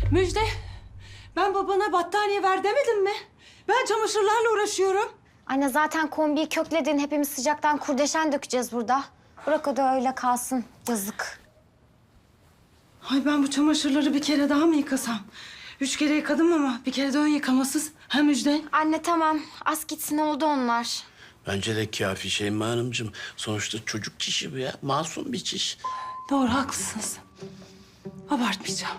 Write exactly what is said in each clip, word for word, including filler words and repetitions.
Müjde, ben babana battaniye ver demedim mi? Ben çamaşırlarla uğraşıyorum. Anne zaten kombiyi kökledin. Hepimiz sıcaktan kurdeşen dökeceğiz burada. Bırak o da öyle kalsın. Yazık. Ay ben bu çamaşırları bir kere daha mı yıkasam? Üç kere yıkadım ama bir kere de ön yıkamasız. Ha Müjde? Anne tamam. Az gitsin oldu onlar. Bence de kafi Şeyma Hanımcığım. Sonuçta çocuk çişi bu ya. Masum bir çiş. Doğru, haklısınız. Abartmayacağım.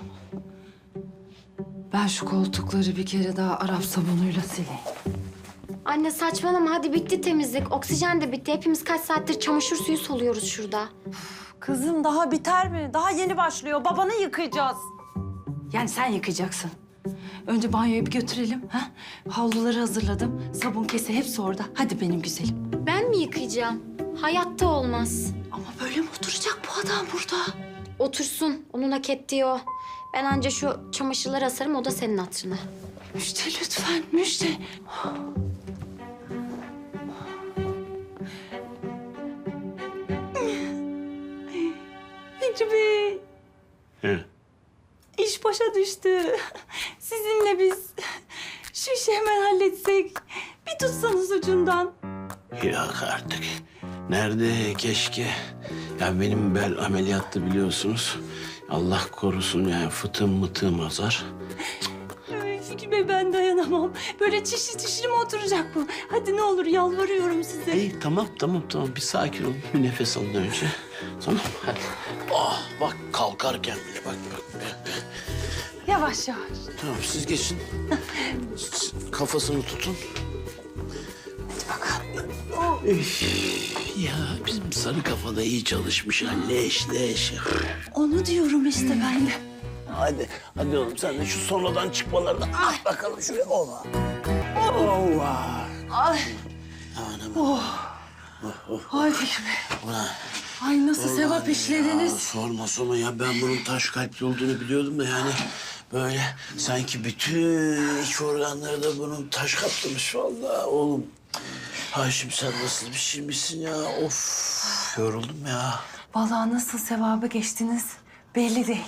Ben şu koltukları bir kere daha Arap sabunuyla sileyim. Anne saçmalama. Hadi bitti temizlik. Oksijen de bitti. Hepimiz kaç saattir çamaşır suyu soluyoruz şurada. Kızım daha biter mi? Daha yeni başlıyor. Babanı yıkayacağız. Yani sen yıkayacaksın. Önce banyoya bir götürelim. Ha? Havluları hazırladım. Sabun kese hepsi orada. Hadi benim güzelim. Ben mi yıkayacağım? Hayatta olmaz. Ama böyle mi oturacak bu adam burada? Otursun. Onun hak ettiği o. Ben anca şu çamaşırları asarım. O da senin hatırına. Müjde lütfen, Müjde. Fikri Bey, He. iş başa düştü. Sizinle biz şu işi hemen halletsek. Bir tutsanız ucundan. Yok artık. Nerede keşke. Ya benim bel ameliyattı biliyorsunuz. Allah korusun yani fıtığım mıtığım azar. Ay, Fikri Bey ben dayanamam. Böyle çişli çişli mi oturacak bu? Hadi ne olur yalvarıyorum size. İyi tamam tamam tamam bir sakin olun. Bir nefes alın önce. Tamam hadi. Ah bak kalkarken bile bak bak. bak. Yavaş yavaş. Tamam siz geçin. Siz kafasını tutun. Bakalım. Üf, ya bizim sarı kafada iyi çalışmış ha. Leş leş. Onu diyorum işte ben de. Hadi, hadi oğlum sen de şu sonradan çıkmalarını at bakalım şuraya. Ova. Ova. Ay. Anam. Oh. Ay Fikri Bey. Ulan. Ay nasıl sevap Ya, işlediniz. sorma sorma ya ben bunun taş kalpli olduğunu biliyordum da yani böyle sanki bütün iç organları da bunun taş kaplamış vallahi oğlum. Haşim sen nasıl bir şeymişsin ya of yoruldum ya. Vallahi nasıl sevaba geçtiniz belli değil.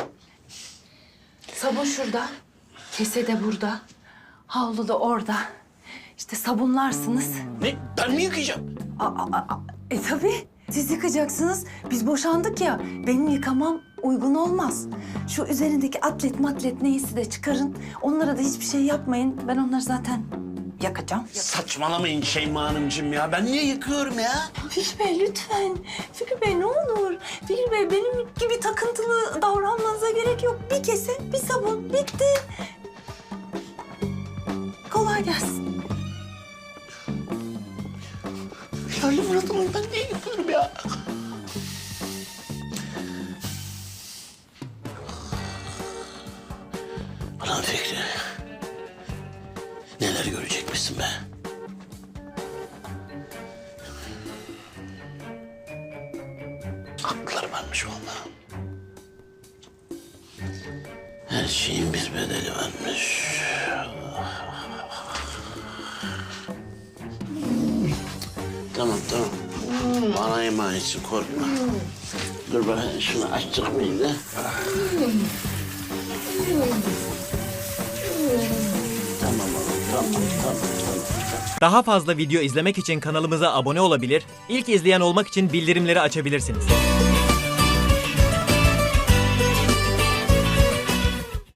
Sabun şurada, kese de burada, havlu da orada. İşte sabunlarsınız. Ne ben mi yıkayacağım? Aa, aa, aa. E tabii siz yıkacaksınız. Biz boşandık ya, benim yıkamam uygun olmaz. Şu üzerindeki atlet matlet neyse de çıkarın. Onlara da hiçbir şey yapmayın. Ben onları zaten yakacağım. Saçmalamayın Şeyma Hanımcığım ya ben niye yıkıyorum ya? Fikri Bey lütfen. Fikri Bey ne olur. Fikri Bey benim gibi takıntılı davranmanıza gerek yok. Bir kese, bir sabun. Bitti. Kolay gelsin. Charlie Murat'ım ben niye yıkıyorum ya? Ulan Fikri. Neler görecekmişsin be? Haklılar varmış vallahi. Her şeyin bir bedeli varmış. Tamam tamam. Bana emanetsin korkma. Dur bakayım şunu açtık mıydı? Tamam oğlum tamam tamam tamam. Daha fazla video izlemek için kanalımıza abone olabilir, ilk izleyen olmak için bildirimleri açabilirsiniz.